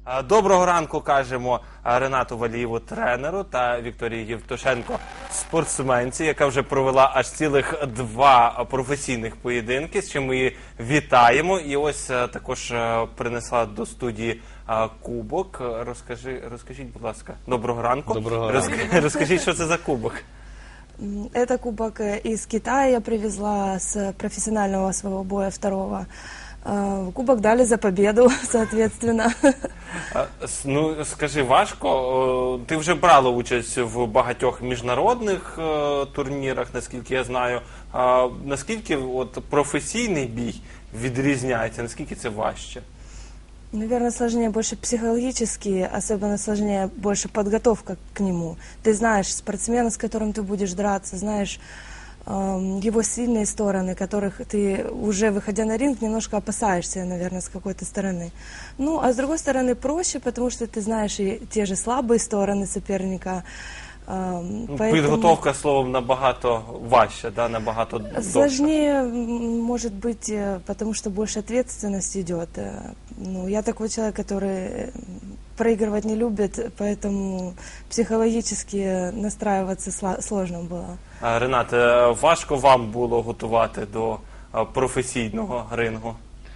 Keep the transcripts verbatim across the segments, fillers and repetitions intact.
Доброго ранку кажемо Ренату Валієву, тренеру, та Вікторії Євтушенко, спортсменці, яка вже провела аж цілих два професійних поєдинки, з чим ми її вітаємо. І ось також принесла до студії кубок. Розкажи, розкажіть, будь ласка, доброго ранку. Доброго ранку. Розкажіть, розкажіть, що це за кубок? Это кубок из Китая, я привезла с профессионального своего боя второго. Кубок дали за победу, соответственно. Ну, скажи, важко? Ти вже брала участь в багатьох міжнародних турнірах, наскільки я знаю. Наскільки от професійний бій відрізняється, наскільки це важче? Наверное, сложнее больше психологически, особенно сложнее больше подготовка к нему. Ты знаешь спортсмена, с которым ты будешь драться, знаешь э, его сильные стороны, которых ты, уже выходя на ринг, немножко опасаешься, наверное, с какой-то стороны. Ну, а с другой стороны проще, потому что ты знаешь и те же слабые стороны соперника. Ну, поэтому... Підготовка, словом, набагато важче, да, набагато довше. Сложнее, может быть, потому что больше ответственность идет. Ну, я такой человек, который проигрывать не любит, поэтому психологически настраиваться сложно было. Ренат, важко вам було готувати до професійного рингу?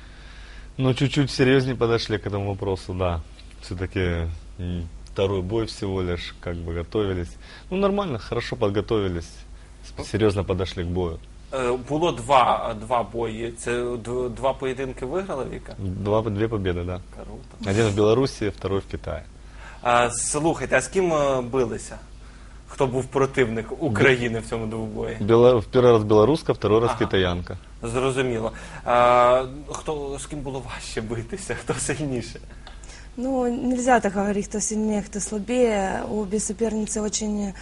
Ну, чуть-чуть серьезнее подошли к этому вопросу, да. Все-таки второй бой всего лишь, как бы готовились. Ну, нормально, хорошо подготовились, серьезно подошли к бою. Було два, два бої. Це два поєдинки виграла, Віка? Два, две победы, да. Круто. Один в Беларуси, второй в Китае. А, слухайте, а з ким билися? Хто був противник України в цьому двобої? Бела... В первый раз белоруска, второй раз ага. китаянка. Зрозуміло. А, хто, з ким було важче битися? Хто сильніше? Ну, нельзя так говорить, кто сильнее, кто слабее. Обе соперницы очень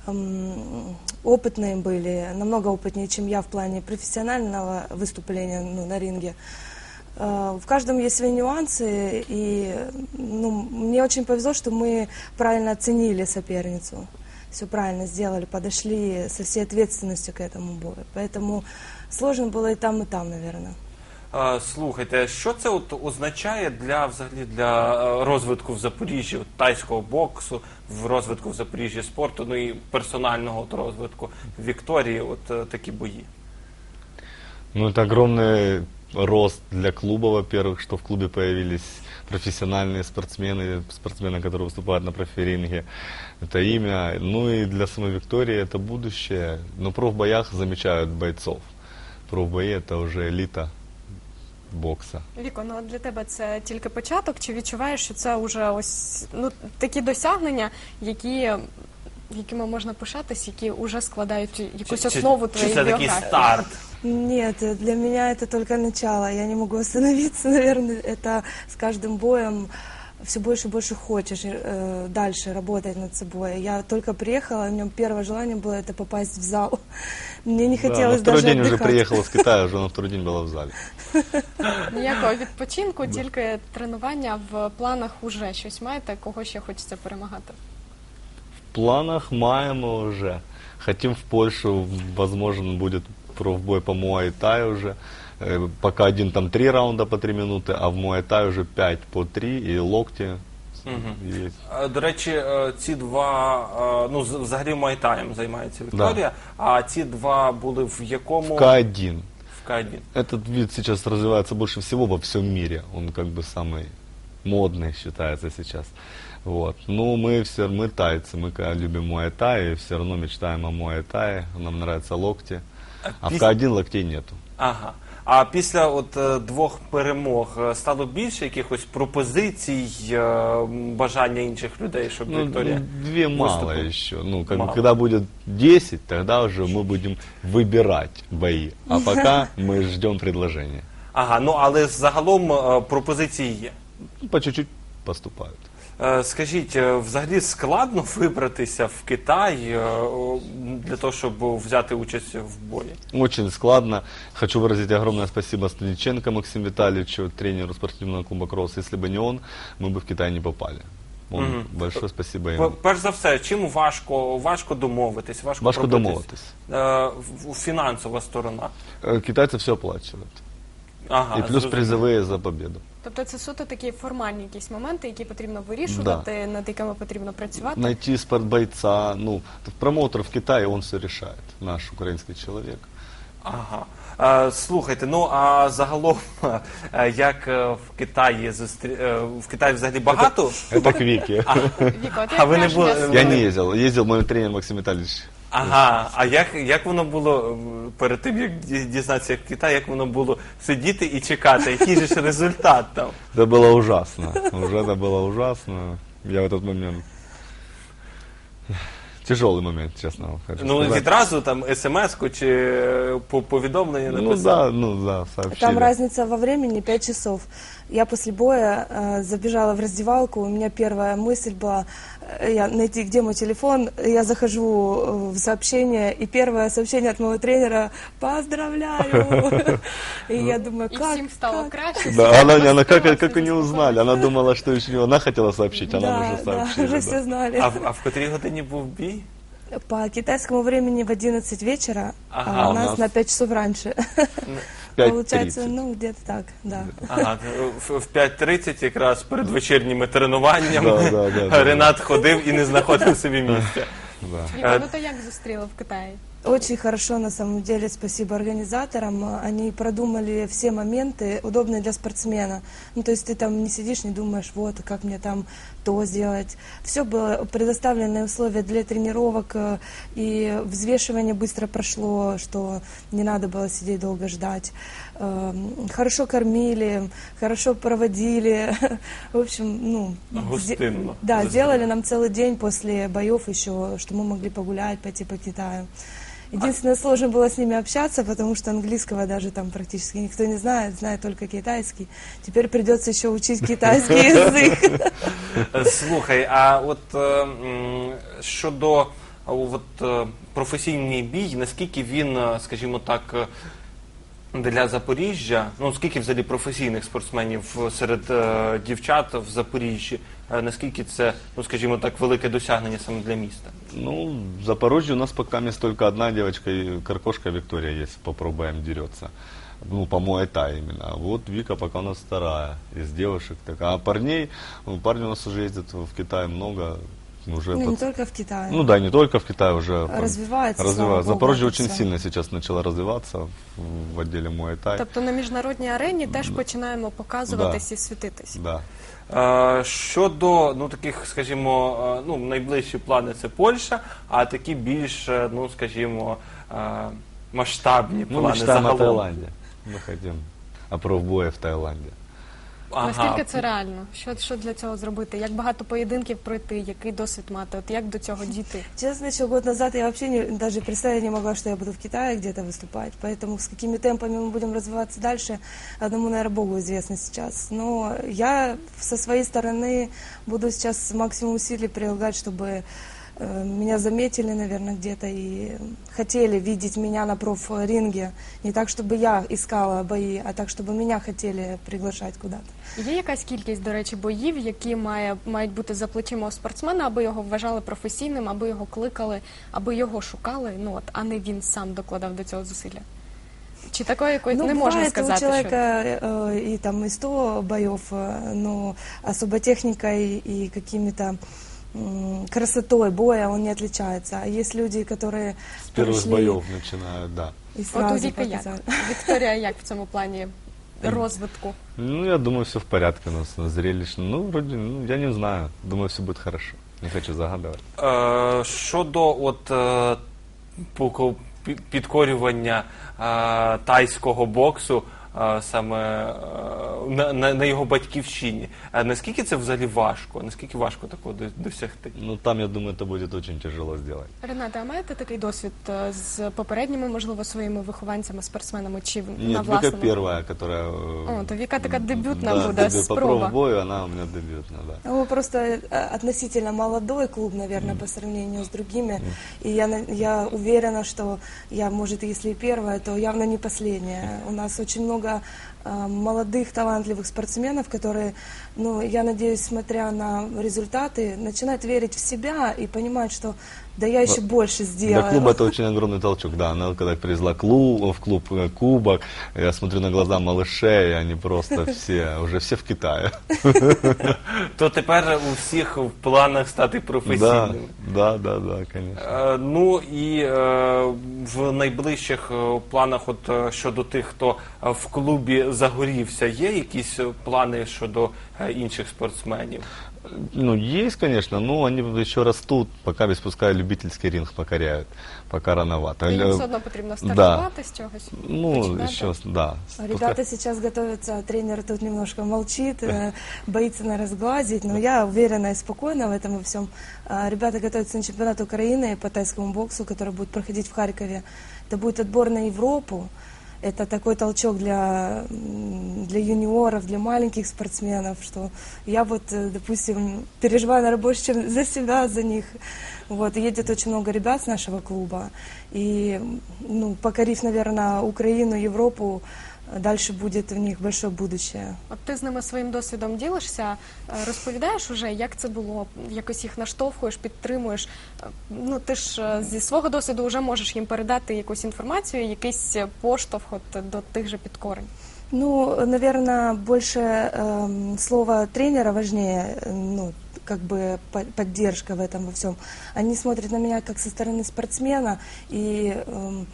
эм, опытные были, намного опытнее, чем я в плане профессионального выступления, ну, на ринге. Э, в каждом есть свои нюансы, и ну, мне очень повезло, что мы правильно оценили соперницу. Все правильно сделали, подошли со всей ответственностью к этому бою. Поэтому сложно было и там, и там, наверное. Слухайте, що це от означає для, взагалі, для розвитку в Запоріжжі, от, тайського боксу, в розвитку в Запоріжжі спорту, ну і персонального от, розвитку Вікторії, от такі бої? Ну, это огромный рост для клуба, во-первых, что в клубе появились профессиональные спортсмены, спортсмены, которые выступают на профиринге. Это имя. Ну и для самой Виктории это будущее. Но профбоях замечают бойцов. Профбои это уже элита бокса. Віко, ну для тебе це тільки початок, чи відчуваєш, що це вже ось ну такі досягнення, які якими можна пишатись, які вже складають якусь чи, основу чи, твоєї чи біографії? це такий старт? Нет, для меня это только начало. Я не могу остановиться, наверное, это с каждым боем все больше и больше хочешь э, дальше работать над собой. Я только приехала, у меня первое желание было это попасть в зал. Мне не хотелось да, на второй даже день отдыхать. уже приехала с Китая, уже на второй день была в зале. Ніякого відпочинку, тільки тренування. В планах уже щось маєте, кого ще хочеться перемагати? В планах маем уже. Хотим в Польшу, возможно, будет профбой по муай-таю уже. Пока один там три раунда по три минуты, а в муай-тай уже пять по три и локти. Угу. Є. До речі, ці два, ну взагалі муай-таєм займається Вікторія, да. А ці два були в якому? В К один. В К один. Этот вид сейчас развивается больше всего во всем мире. Он как бы самый модный считается сейчас. Вот. Ну, мы все, мы тайцы, мы любим муай-тай, и все равно мечтаем о муай-тае, нам нравятся локти. А в К один локтей нету. Ага. А після от двох перемог стало більше якихось пропозицій, бажання інших людей, щоб ну, Вікторія две мало выступила? еще. Ну, как мало. бы, когда будет десять, тогда уже мы будем выбирать бои. А пока мы ждем предложения. Ага, ну але загалом пропозиції є? По чуть-чуть поступают. Скажіть, взагалі складно вибратися в Китай для того, щоб взяти участь в бої? Очень складно. Хочу выразить огромное спасибо Станиченко Максиму Витальевичу, тренеру спортивного клуба «Кросс». Если бы не он, мы бы в Китай не попали. Он, угу. Большое спасибо ему. Перш за все, чим важко, важко домовитись? Важко, важко домовитись. Е, фінансова сторона. Китайцы все оплачивают. Ага, и плюс зрозуміло. призовые за победу. Тобто це суто такі формальні якісь моменти, які потрібно вирішувати, над якими потрібно працювати. Найти спортбойца, ну, промоутер в Китае, он все решает, наш украинский человек. Ага. Е, слухайте, ну а загалом, е, як е, в Китаї зустрі... е, в Китаї взагалі багато? Это к Вике. Віко, от А як ви не враження були- з- Я не ездил, ездил мой тренер Максим Витальевич. Ага, а як, як воно було е, перед тим, як ді- дізнатися, як в Китаї, як воно було сидіти і чекати, який же ж результат там? Это было ужасно. Уже это было ужасно. Я в этот момент... Тяжелый момент, честно хочу Ну сказать. відразу там смс-ку чи е, по- повідомлення Ну написав? да, ну да, сообщили. Там разница во времени пять часов. Я после боя э, забежала в раздевалку, у меня первая мысль была э, я, найти, где мой телефон. Я захожу э, в сообщение, и первое сообщение от моего тренера «Поздравляю!» И я думаю, І как? всім стало как? краще. Да, она, она как, Заспокоилась, как они узнали? Она думала, что еще она хотела сообщить, а нам Да, уже да, сообщили. уже да. все знали. А, в- а в котрій годині був бій? По китайскому времени в одиннадцать вечера, Ага, а у у нас, нас на пять часов раньше. пять Получается, тридцать. ну, где-то так, да. Ага, в, в п'ять тридцять якраз перед вечірніми тренуваннями Да, да, да, да. Ренат ходив і не знаходив собі місця. Да. Віко, ну то як зустріли в Китаї? Очень хорошо, на самом деле, спасибо организаторам. Они продумали все моменты, удобные для спортсмена. Ну, то есть ты там не сидишь, не думаешь, вот, как мне там то сделать. Все было, предоставленные условия для тренировок, э, и взвешивание быстро прошло, что не надо было сидеть долго ждать. Эм, Хорошо кормили, хорошо проводили. В общем, ну... Гостинно. де- Да, Гостинно. сделали нам целый день после боев еще, что мы могли погулять, пойти по Китаю. Единственное, сложно было с ними общаться, потому что английского даже там практически никто не знает, знает только китайский. Теперь придется еще учить китайский язык. Слухай, а от е, м, щодо е, от, е, професійний бій, наскільки він, е, скажімо так, е, для Запоріжжя, ну скільки взагалі професійних спортсменів серед е, дівчат в Запоріжжі, е, наскільки це, ну скажімо так, велике досягнення саме для міста? Ну, в Запорожье у нас пока есть только одна девочка, и Каркошка Виктория есть, попробуем дерется. Ну, по Муай-Тай именно. А вот Вика пока у нас вторая из девушек. Так, а парней, ну, парни у нас уже ездят в Китай много. Уже Ну, не под- только в Китае. Ну да, не только в Китае уже. Развивается, слава Развивается. богу, Запорожье это очень всё. сильно сейчас начало развиваться в, в отделе Муай-Тай. Тобто на міжнародній арені теж починаємо показуватись і світитись. Да. Е, Щодо ну таких, скажімо, е, ну найближчі плани це Польща, а такі більш, е, ну скажімо, е, масштабні Ну, плани мечтаем о загалом. Таиланде. Мы хотим о профбое в Таиланде. Ага. Наскільки це реально? Що, що для цього зробити? Як багато поєдинків пройти? Який досвід мати? От як до цього дійти? Честно, еще год назад я вообще не, даже представить не могла, что я буду в Китае где-то выступать. Поэтому с какими темпами мы будем развиваться дальше, одному, наверное, Богу известно сейчас. Но я со своей стороны буду сейчас максимум усилий прилагать, чтобы э, меня заметили, наверное, где-то и хотели видеть меня на профринге. Не так, чтобы я искала бои, а так, чтобы меня хотели приглашать куда-то. Є якась кількість, до речі, боїв, які має, мають бути за плечима у спортсмена, аби його вважали професійним, аби його кликали, аби його шукали, ну от, а не він сам докладав до цього зусилля? Чи такої якоїсь не можна бывает сказати, у человека э, и там и сто боев, э, но особо техникой и какими-то м, красотой боя он не отличается. А есть люди, которые С первых пришли боев начинают, да. и що... От у сразу Віки як? показали. Вікторія як в цьому плані розвитку? Ну, я думаю, все в порядке у нас, на зрелищно. Ну, вроде, ну, я не знаю. Думаю, все будет хорошо. Не хочу загадывать. Е, Щодо от е, пуко- пі- підкорювання е, тайського боксу е, саме е, на, на, на його батьківщині, е, наскільки це взагалі важко? Наскільки важко такого до- досягти? Ну, там, я думаю, это будет очень тяжело сделать. Рената, а маєте такий досвід е, з попередніми, можливо, своїми вихованцями, спортсменами, чи на Нет, Вика власному? первая, которая... э, О, то Вика такая дебютная да, будет, дебют- по спроба. профбою она у меня дебютная, да. Ну, просто э, относительно молодой клуб, наверное, по сравнению с другими. И я, на- я уверена, что я, может, если и первая, то явно не последняя. У нас очень много э, молодых, талантливых спортсменов, которые, ну, я надеюсь, смотря на результаты, начинают верить в себя и понимать, что Да я еще больше Для сделаю. клуба это очень огромный толчок, да. Она когда привезла клуб, в клуб э, кубок, я смотрю на глаза малышей, они просто все, уже все в Китае. То тепер у всіх в планах стати Да, професійними. да, да, да, конечно. Е, Ну і е, в найближчих е, планах, от е, щодо тих, хто е, в клубі загорівся, є якісь е, плани щодо е, інших спортсменів? Ну, есть, конечно, но они еще растут, пока без пускай любительский ринг покоряют, пока рановато. І їм Э, все одно потрібно стартувати з чогось. Ну, починати. еще, да. Ребята сейчас готовятся, тренер тут немножко молчит, э, боится, наверное, сглазить, но я уверена и спокойна в этом во всем. А, Ребята готовятся на чемпионат Украины по тайскому боксу, который будет проходить в Харькове. Это будет отбор на Европу. Это такой толчок для, м, для юниоров, для маленьких спортсменов, что я вот, э, допустим, переживаю, наверное, больше, чем за себя, за них. Вот, и едет очень много ребят с нашего клуба. И, ну, покорив, наверное, Украину, Европу, дальше будет у них большое будущее. От ти з ними своїм досвідом ділишся, е, розповідаєш уже, як це було, якось їх наштовхуєш, підтримуєш. Е, Ну, ти ж е, зі свого досвіду вже можеш їм передати якусь інформацію, якийсь поштовх от до тих же підкорень. Ну, наверное, больше эм, слово тренера важнее, э, ну, как бы по- поддержка в этом во всем. Они смотрят на меня как со стороны спортсмена и эм,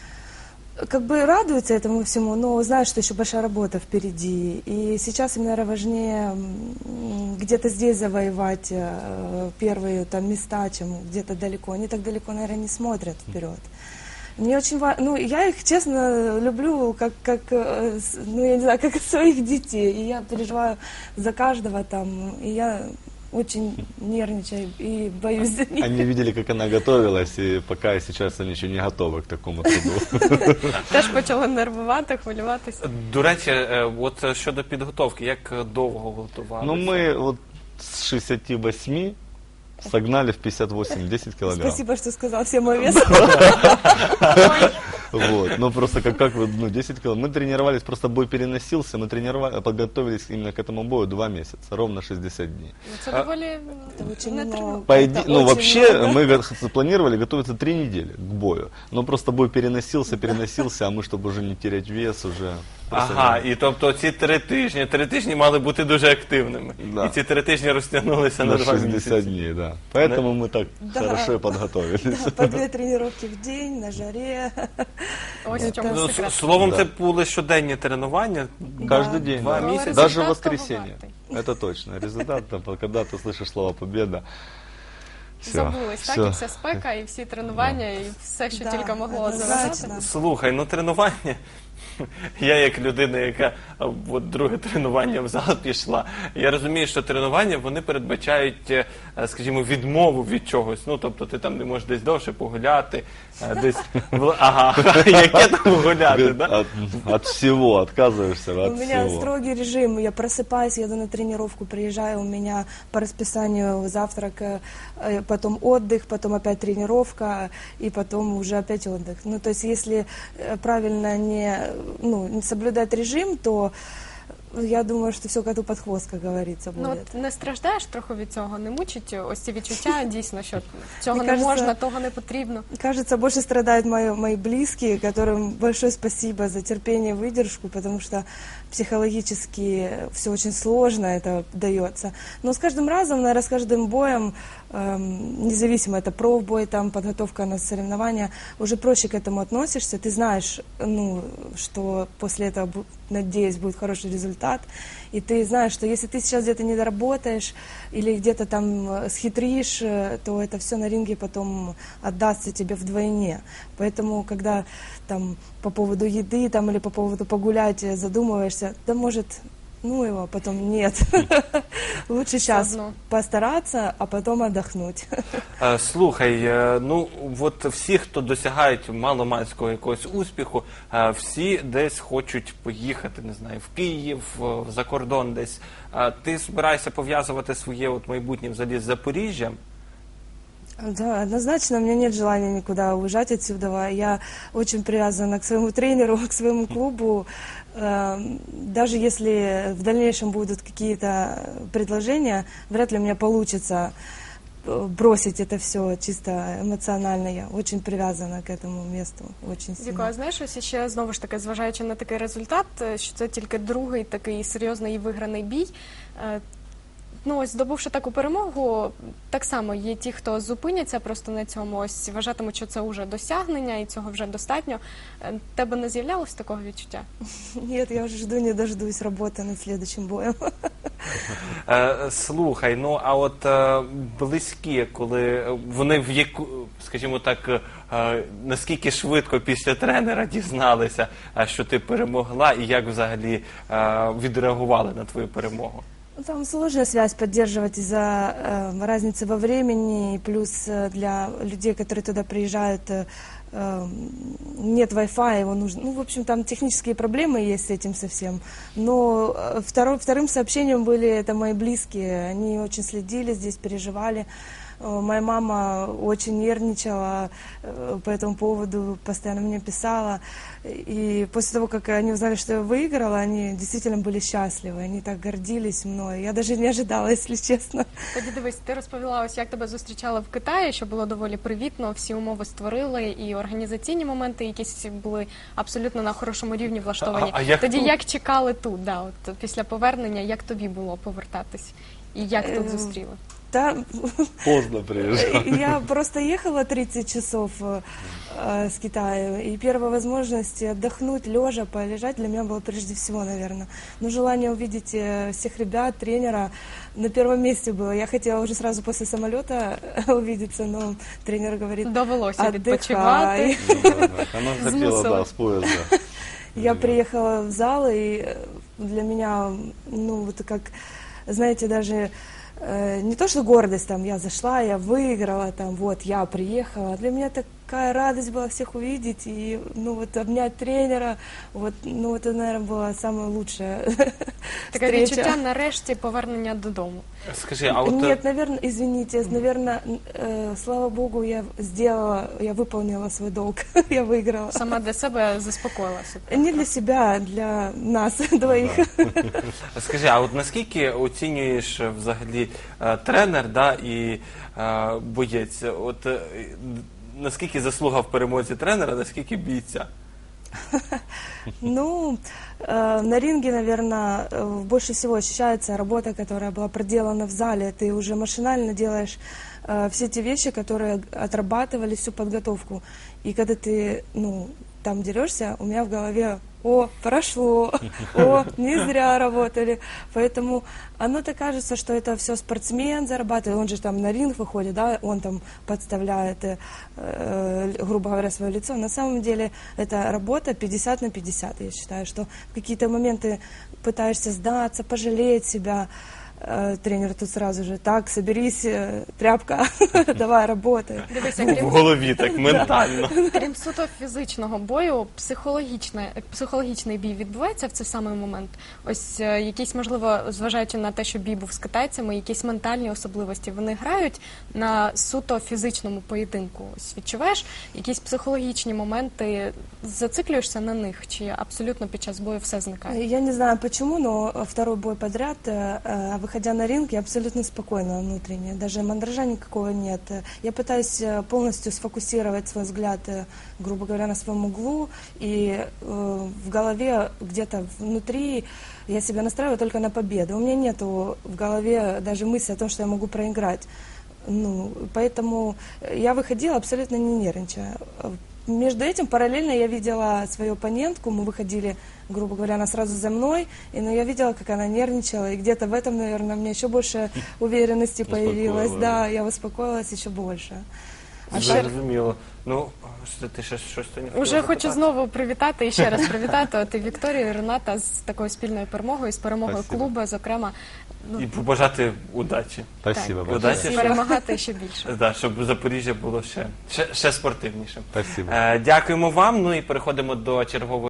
как бы радуются этому всему, но знают, что еще большая работа впереди. И сейчас им, наверное, важнее м, где-то здесь завоевать э, первые там места, чем где-то далеко. Они так далеко, наверное, не смотрят вперед. Мне очень важно, ну, я их, честно, люблю, как, как, э, с- ну, я не знаю, как своих детей, и я переживаю за каждого там, и я очень нервничаю и боюсь за них. Они видели, как она готовилась, и пока и сейчас они еще не готовы к такому труду. Теж почали нервувати, хвилюватися. До речі, е, от е, щодо підготовки, як е, довго готувалися? Ну, мы вот с шестидесяти восьми согнали в пятьдесят восемь десять килограмм. Спасибо, что сказал все мой вес. Вот. Ну, просто как, как вы, ну, десять килограмм. Мы тренировались, просто бой переносился, мы тренировали, подготовились именно к этому бою два месяца, ровно шестьдесят дней. Ну, Це А- доволі Это очень не много. тренувано. По Это иде- ну, очень вообще, много. мы го- планировали готовиться три недели к бою. Но просто бой переносился, переносился, а мы, чтобы уже не терять вес, уже... просто Ага, не- і тобто ці три тижні, три тижні мали бути дуже активними. Да. І ці три тижні розтягнулися на, на два шестьдесят місяці. дней, да. Поэтому мы так Да. хорошо и подготовились. Да, по две тренировки в день, на жаре. ось в чому Ну, с- секрет. словом, Да. це були щоденні тренування. Каждый день, Два да. месяца. Даже в Результат воскресенье. того Это точно. Результат, там, когда ты слышишь слово «победа», все. Забулись, так? І вся спека, і всі тренування, і все, що Да, тільки могло однозначно. заважати. Слухай, ну тренування. Я як людина, яка а, от друге тренування в зал пішла, я розумію, що тренування вони передбачають, е, скажімо, відмову від чогось. Ну, тобто ти там не можеш десь довше погуляти, е, десь в- ага, яке там гуляти, да? От, от всего отказываешься, У от меня всего. строгий режим. Я просыпаюсь, еду на тренировку, приезжаю, у меня по расписанию завтрак, э, э, потом отдых, потом опять тренировка, и потом уже опять отдых. Ну, то есть, если э, правильно не, ну, не соблюдать режим, то я думаю, что все коту под хвост, как говорится, Ну, будет. от не страждаєш трохи від цього, не мучить ось ці відчуття дійсно, що цього Мені не кажеться- можна, того не потрібно. Кажется, больше страдают мои, мои близкие, которым большое спасибо за терпение и выдержку, потому что психологически все очень сложно это дается. Но с каждым разом, наверное, с каждым боем, эм, независимо это профбой, там, подготовка на соревнования, уже проще к этому относишься. Ты знаешь, ну, что после этого, бу- надеюсь, будет хороший результат. И ты знаешь, что если ты сейчас где-то не доработаешь или где-то там э, схитришь, э, то это все на ринге потом отдастся тебе вдвойне. Поэтому, когда там по поводу еды там, или по поводу погулять э, задумываешься, да может, ну его, потом нет. Лучше сейчас одно. постараться, а потом отдохнуть. Е, Слухай, е, ну от всі, хто досягають маломальського якогось успіху, е, всі десь хочуть поїхати, не знаю, в Київ, в- за кордон десь. Е, Ти збираєшся пов'язувати своє от майбутнє взагалі з Запоріжжям? Да, однозначно, у меня нет желания никуда уезжать отсюда. Я очень привязана к своему тренеру, к своему клубу. Эм, Даже если в дальнейшем будут какие-то предложения, вряд ли у меня получится э, бросить это все чисто эмоционально. Я очень привязана к этому месту, очень Віко, сильно. а знаєш, ось ще знову ж таки, зважаючи на такий результат, е, що це тільки другий такий серйозний і виграний бій. е, Ну, ось здобувши таку перемогу, так само є ті, хто зупиняться просто на цьому, ось вважатимуть, що це вже досягнення і цього вже достатньо. Е, Тебе не з'являлось такого відчуття? Нет, я уже жду, не дождусь работы над следующим боем. Е, Слухай, ну а от е, близькі, коли вони в яку, скажімо так, е, наскільки швидко після тренера дізналися, е, що ти перемогла, і як взагалі е, відреагували на твою перемогу? Ну, там сложная связь поддерживать из-за э, разницы во времени, и плюс э, для людей, которые туда приезжают, э, э, нет Wi-Fi, его нужно. Ну, в общем, там технические проблемы есть с этим совсем. Но э, второй, вторым сообщением были это мои близкие. Они очень следили здесь, переживали. Э, Моя мама очень нервничала э, по этому поводу, постоянно мне писала. И после того, как они узнали, что я выиграла, они действительно были счастливы. Они так гордились мной. Я даже не ожидала, если честно. Тоді дивись, ти розповіла, ось як тебе зустрічали в Китаї, що було доволі привітно, всі умови створили, і організаційні моменти якісь були абсолютно на хорошому рівні влаштовані. А- а як Тоді тут? як чекали тут, да, от після повернення, як тобі було повертатись? І як тут Е, зустріли? Там Поздно приезжал. я просто ехала тридцать часов э, э, с Китая, и первая возможность отдохнуть, лежа, полежать для меня было прежде всего, наверное. Но желание увидеть э, всех ребят, тренера на первом месте было. Я хотела уже сразу после самолета увидеться, но тренер говорит, Довелося відпочивати. отдыхай. Она же хотела, Змусила. да, с поезда. Я приехала в зал, и э, для меня, ну, вот как, знаете, даже э, не то, что гордость, там, я зашла, я выиграла, там, вот, я приехала. Для меня такая радость была всех увидеть, и, ну, вот, обнять тренера, вот, ну, это, наверное, была самая лучшая Таке встреча. відчуття нарешті повернення додому. Скажи, а от е, Нет, наверное, извините, наверное, э, слава богу, я сделала, я выполнила свой долг, я выиграла. Сама для себе заспокоїлася. Не для себя, а для нас двоих. скажи, а от наскільки оцінюєш е, взагалі е, тренер, да, і е, боєць? От е, наскільки заслуга в перемозі тренера, наскільки бійця? Ну, э, на ринге, наверное, э, больше всего ощущается работа, которая была проделана в зале. Ты уже машинально делаешь э, все те вещи, которые отрабатывали всю подготовку. И когда ты, ну, там дерешься, у меня в голове: о, прошло, о, не зря работали. Поэтому оно-то кажется, что это все спортсмен зарабатывает, он же там на ринг выходит, да, он там подставляет, э, э, грубо говоря, свое лицо. На самом деле это работа пятьдесят на пятьдесят. Я считаю, что в какие-то моменты пытаешься сдаться, пожалеть себя. Э, Тренер тут сразу же: так, соберись, э, тряпка, давай, работай. Дивися, В крім голові так, ментально. Крім суто фізичного бою, психологічне, психологічний бій відбувається в цей самий момент. Ось е, якісь, можливо, зважаючи на те, що бій був з китайцями, якісь ментальні особливості, вони грають на суто фізичному поєдинку. Ось відчуваєш якісь психологічні моменти, зациклюєшся на них, чи абсолютно під час бою все зникає? Я не знаю почему, но второй бой подряд, э, э, выходя на ринг, я абсолютно спокойна внутренне, даже мандража никакого нет. Я пытаюсь э, полностью сфокусировать свой взгляд, э, грубо говоря, на своем углу, и э, в голове где-то внутри я себя настраиваю только на победу. У меня нету в голове даже мысли о том, что я могу проиграть. Ну, поэтому я выходила абсолютно не нервничая. Между этим параллельно я видела свою оппонентку, мы выходили, грубо говоря, она сразу за мной, и, ну, я видела, как она нервничала, и где-то в этом, наверное, у меня еще больше уверенности появилось, Успокоила, да, да. я успокоилась еще больше. А Зрозуміло. Ну, що ти ще щось то не хотіла Уже хочу запитати? знову привітати і ще раз привітати от і Вікторію, і Рената з такою спільною перемогою, з перемогою Спасибо. клубу, зокрема. Ну, І побажати удачі. Спасибо Так. большое. Удачі. перемагати ще більше. Да, щоб Запоріжжя було ще, ще, ще спортивнішим. Спасибо. Е, дякуємо вам. Ну і переходимо до чергової.